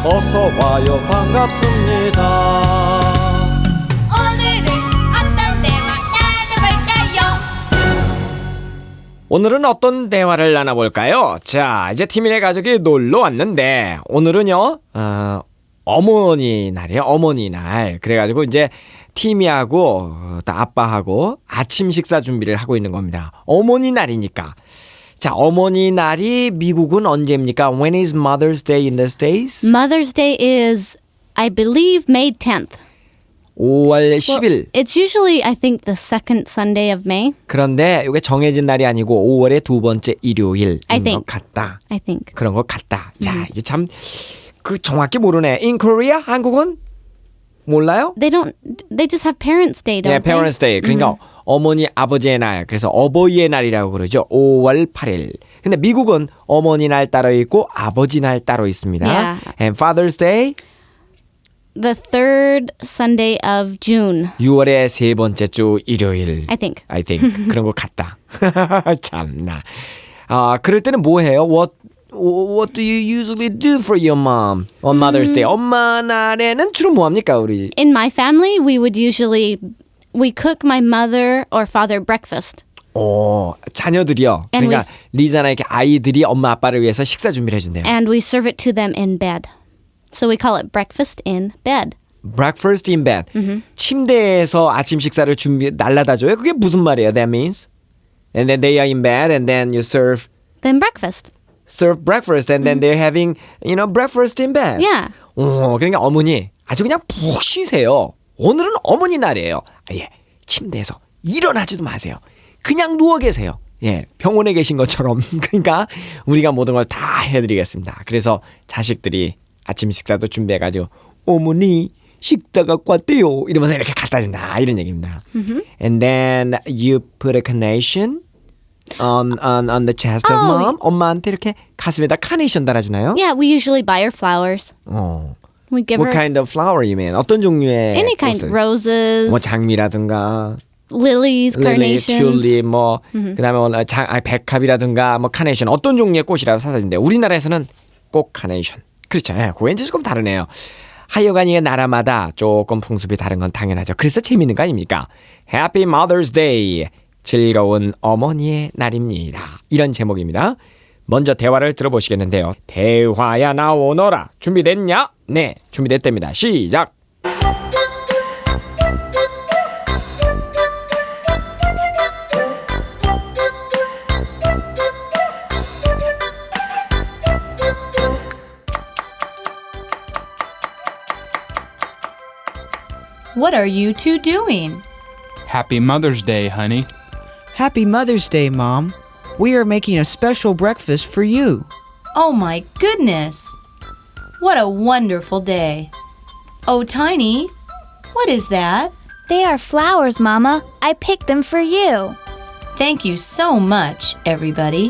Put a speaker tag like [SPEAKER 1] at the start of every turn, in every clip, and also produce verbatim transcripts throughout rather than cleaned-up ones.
[SPEAKER 1] 어서 와요 반갑습니다.
[SPEAKER 2] 오늘은 어떤 대화 나눠볼까요?
[SPEAKER 1] 오늘은 어떤 대화를 나눠볼까요? 자, 이제 티미네 가족이 놀러 왔는데 오늘은요 어, 어머니 날이에요. 어머니 날. 그래가지고 이제 티미하고 또 아빠하고 아침 식사 준비를 하고 있는 겁니다. 어머니 날이니까. 자, 어머니 날이 미국은 언제입니까? When is Mother's Day in the States?
[SPEAKER 3] Mother's Day is, I believe, May tenth.
[SPEAKER 1] 오월 십일.
[SPEAKER 3] It's usually, I think, the second Sunday of May.
[SPEAKER 1] 그런데 이게 정해진 날이 아니고 오월의 두 번째 일요일인
[SPEAKER 3] I
[SPEAKER 1] 것
[SPEAKER 3] think.
[SPEAKER 1] 같다.
[SPEAKER 3] I think.
[SPEAKER 1] 그런 것 같다. 야, 이게 참 그 정확히 모르네. In Korea? 한국은 몰라요?
[SPEAKER 3] They don't, they just have Parents' Day, don't
[SPEAKER 1] 네,
[SPEAKER 3] they?
[SPEAKER 1] Parents Day. 그러니까 어머니 아버지의 날. 그래서 어버이의 날이라고 그러죠. 오월 팔일. 근데 미국은 어머니 날 따로 있고 아버지 날 따로 있습니다.
[SPEAKER 3] Yeah.
[SPEAKER 1] And Father's Day
[SPEAKER 3] The third Sunday of June,
[SPEAKER 1] 유월의 세 번째 주 일요일.
[SPEAKER 3] I think.
[SPEAKER 1] I think 그런 것 같다. 참나. 아, 그럴 때는 뭐 해요? What What do you usually do for your mom on Mother's Day? 엄마 날에는 주로 뭐 합니까, 우리?
[SPEAKER 3] In my family, we would usually, we cook my mother or father breakfast.
[SPEAKER 1] 오, 자녀들이요.
[SPEAKER 3] And
[SPEAKER 1] 그러니까 리자나 이렇게 아이들이 엄마 아빠를 위해서 식사 준비를 해준대요.
[SPEAKER 3] And we serve it to them in bed. So we call it breakfast in bed.
[SPEAKER 1] Breakfast in bed. 침대에서 아침 식사를 준비 날라다 줘요. 그게 무슨 말이에요? That means, and then they are in bed, and then you serve
[SPEAKER 3] Then breakfast.
[SPEAKER 1] serve breakfast, and then they're having, you know, breakfast in bed.
[SPEAKER 3] Yeah.
[SPEAKER 1] 오, 그러니까 어머니 아주 그냥 푹 쉬세요. 오늘은 어머니 날이에요. 예, 침대에서 일어나지도 마세요. 그냥 누워 계세요. 예, 병원에 계신 것처럼. 그러니까 우리가 모든 걸 다 해드리겠습니다. 그래서 자식들이 아침 식사도 준비해가지고 어머니 식사 갖고 왔대요. 이러면서 이렇게 갖다 준다. 이런 얘기입니다. And then you put a carnation on on on the chest of
[SPEAKER 3] Oh.
[SPEAKER 1] mom. 엄마한테 이렇게 가슴에다 카네이션 달아주나요?
[SPEAKER 3] Yeah, we usually buy her flowers.
[SPEAKER 1] 어.
[SPEAKER 3] We give
[SPEAKER 1] What
[SPEAKER 3] her
[SPEAKER 1] kind of flower you mean? 어떤 종류의
[SPEAKER 3] any kind,
[SPEAKER 1] 꽃을?
[SPEAKER 3] roses,
[SPEAKER 1] 뭐 장미라든가
[SPEAKER 3] lilies,
[SPEAKER 1] 릴리,
[SPEAKER 3] carnations.
[SPEAKER 1] 튤립, 뭐 그다음에 뭐 장, 아, 백합이라든가 뭐 카네이션 어떤 종류의 꽃이라고 사다 준대. 우리나라에서는 꼭 카네이션. 그렇죠. 예, 그거 이제 조금 다르네요. 하여간 이게 나라마다 조금 풍습이 다른 건 당연하죠. 그래서 재미있는 거 아닙니까? Happy Mother's Day. 즐거운 어머니의 날입니다. 이런 제목입니다. 먼저 대화를 들어보시겠는데요. 대화야 나오너라. 준비됐냐? 네, 준비됐답니다. 시작.
[SPEAKER 2] What are you two doing?
[SPEAKER 4] Happy Mother's Day, honey.
[SPEAKER 5] Happy Mother's Day, Mom. We are making a special breakfast for you.
[SPEAKER 2] Oh my goodness! What a wonderful day. Oh, Tiny, what is that?
[SPEAKER 6] They are flowers, Mama. I picked them for you.
[SPEAKER 2] Thank you so much, everybody.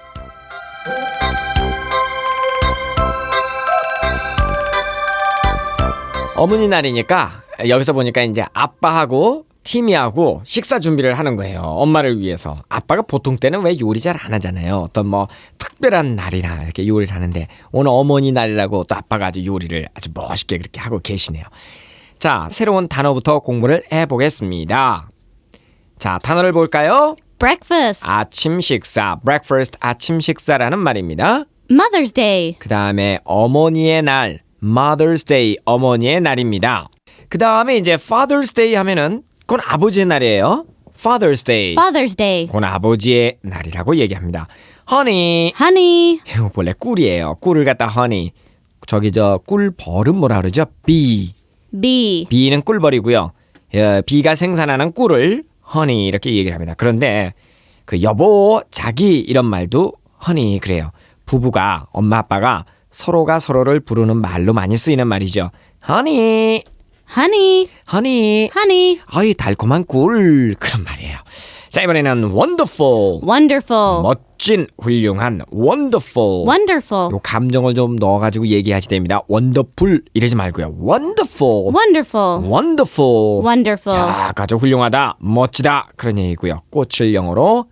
[SPEAKER 1] 어머니 날이니까 여기서 보니까 이제 아빠하고 티미하고 식사 준비를 하는 거예요. 엄마를 위해서. 아빠가 보통 때는 왜 요리 잘 안 하잖아요. 어떤 뭐 특별한 날이나 이렇게 요리를 하는데 오늘 어머니 날이라고 또 아빠가 아주 요리를 아주 멋있게 그렇게 하고 계시네요. 자, 새로운 단어부터 공부를 해보겠습니다. 자, 단어를 볼까요?
[SPEAKER 3] Breakfast.
[SPEAKER 1] 아침 식사, breakfast 아침 식사라는 말입니다.
[SPEAKER 3] Mother's Day.
[SPEAKER 1] 그 다음에 어머니의 날, Mother's Day, 어머니의 날입니다. 그 다음에 이제 Father's Day 하면은 그건 아버지의 날이에요. Father's Day.
[SPEAKER 3] Father's Day.
[SPEAKER 1] 그건 아버지의 날이라고 얘기합니다. Honey.
[SPEAKER 3] Honey.
[SPEAKER 1] 이거 원래 꿀이에요. 꿀을 갖다 honey. 저기 저 꿀벌은 뭐라 그러죠? bee.
[SPEAKER 3] Bee.
[SPEAKER 1] bee는 꿀벌이고요. 어, 비가 생산하는 꿀을 honey 이렇게 얘기를 합니다. 그런데 그 여보, 자기 이런 말도 honey 그래요. 부부가 엄마 아빠가 서로가 서로를 부르는 말로 많이 쓰이는 말이죠. honey.
[SPEAKER 3] Honey.
[SPEAKER 1] honey.
[SPEAKER 3] Honey.
[SPEAKER 1] 아이 달콤한 꿀 그런 말이에요. 자, 이번에는 wonderful.
[SPEAKER 3] Wonderful.
[SPEAKER 1] 멋진, 훌륭한, wonderful.
[SPEAKER 3] Wonderful.
[SPEAKER 1] 요 감정을 좀 넣어가지고 얘기하시 됩니다. wonderful 이러지 말고요. wonderful.
[SPEAKER 3] Wonderful.
[SPEAKER 1] wonderful.
[SPEAKER 3] Wonderful.
[SPEAKER 1] 야, 아주 훌륭하다, 멋지다 그런 얘기고요. 꽃을 영어로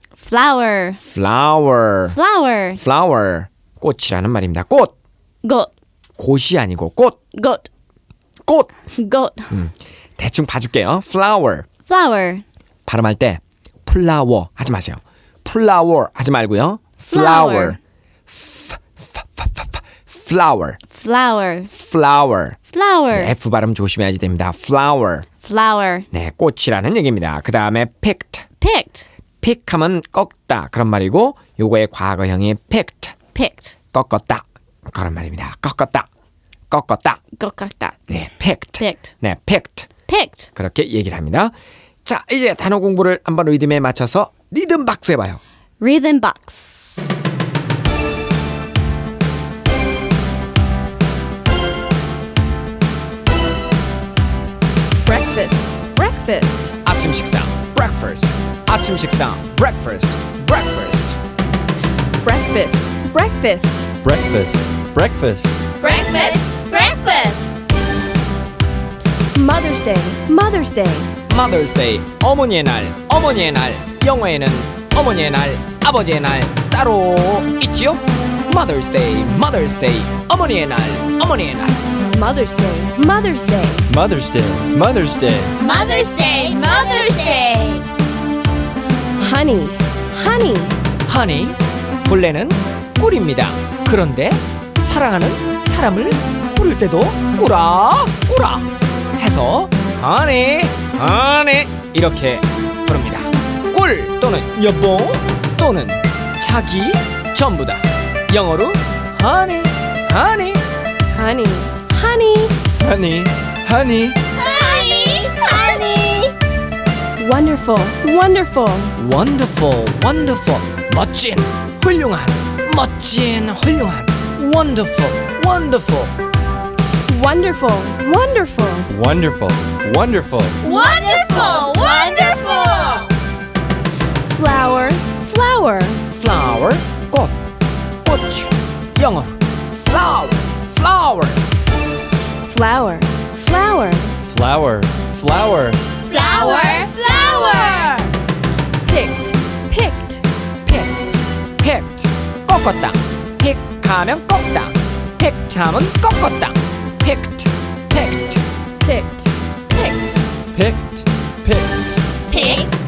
[SPEAKER 3] Flower.
[SPEAKER 1] flower.
[SPEAKER 3] Flower.
[SPEAKER 1] flower. 꽃이라는 말입니다. 꽃.
[SPEAKER 3] Goat.
[SPEAKER 1] 곳이 아니고 꽃,
[SPEAKER 3] Goat.
[SPEAKER 1] 꽃.
[SPEAKER 3] Goat.
[SPEAKER 1] 대충 봐줄게요. flower.
[SPEAKER 3] Flower.
[SPEAKER 1] 발음할 때 플라워 하지 마세요. 플라워 하지 말고요. flower. F, f, f, f, flower.
[SPEAKER 3] Flower.
[SPEAKER 1] flower.
[SPEAKER 3] Flower.
[SPEAKER 1] F 발음 조심해야지 됩니다. flower.
[SPEAKER 3] Flower.
[SPEAKER 1] 네, 꽃이라는 얘기입니다. 그 다음에 picked.
[SPEAKER 3] Picked.
[SPEAKER 1] pick하면 꺾다 그런 말이고 요거의 과거형이 picked.
[SPEAKER 3] Picked.
[SPEAKER 1] 꺾었다 그런 말입니다. 꺾었다. 꺾었다.
[SPEAKER 3] Gokakta.
[SPEAKER 1] 네, picked.
[SPEAKER 3] Picked.
[SPEAKER 1] 네, picked.
[SPEAKER 3] Picked.
[SPEAKER 1] 그렇게 얘기를 합니다. 자, 이제 단어 공부를 한번 리듬에 맞춰서 리듬 박스 해봐요.
[SPEAKER 3] Rhythm box.
[SPEAKER 7] breakfast, breakfast,
[SPEAKER 1] 아침 식사 breakfast. 아침 식사 breakfast. breakfast.
[SPEAKER 7] breakfast, breakfast,
[SPEAKER 8] Breakfast. Breakfast.
[SPEAKER 6] Breakfast, breakfast.
[SPEAKER 7] Mother's Day, Mother's Day,
[SPEAKER 1] Mother's Day 어머니의 날. 어머니의 날 영어에는 어머니의 날 아버지의 날 따로 있지요. Mother's Day Mother's Day 어머니의 날 어머니의 날
[SPEAKER 7] Mother's Day, Mother's Day,
[SPEAKER 8] Mother's Day. Mother's Day.
[SPEAKER 6] Mother's Day, Mother's Day.
[SPEAKER 7] honey, honey,
[SPEAKER 1] honey 본래는 꿀입니다. 그런데 사랑하는 사람을 부를 때도 꾸라 꾸라 해서 honey honey 이렇게 부릅니다. 꿀 또는 여보 또는 자기 전부 다 영어로 honey honey
[SPEAKER 7] honey, honey,
[SPEAKER 8] Honey. Honey.
[SPEAKER 6] Honey, honey.
[SPEAKER 7] wonderful, wonderful,
[SPEAKER 1] wonderful wonderful 멋진 훌륭한 멋진 훌륭한 wonderful wonderful
[SPEAKER 7] wonderful, wonderful,
[SPEAKER 8] Wonderful. Wonderful.
[SPEAKER 6] Wonderful, wonderful.
[SPEAKER 7] flower, flower,
[SPEAKER 1] flower 꽃 꽃 영어로 flower flower
[SPEAKER 7] flower, flower,
[SPEAKER 8] Flower. Flower.
[SPEAKER 6] Flower, flower.
[SPEAKER 7] picked, picked,
[SPEAKER 1] picked picked 꺾었다 pick하면 꺾다 picked하면 꺾었다 picked picked
[SPEAKER 7] picked, picked,
[SPEAKER 8] Picked. Picked.
[SPEAKER 6] Pick,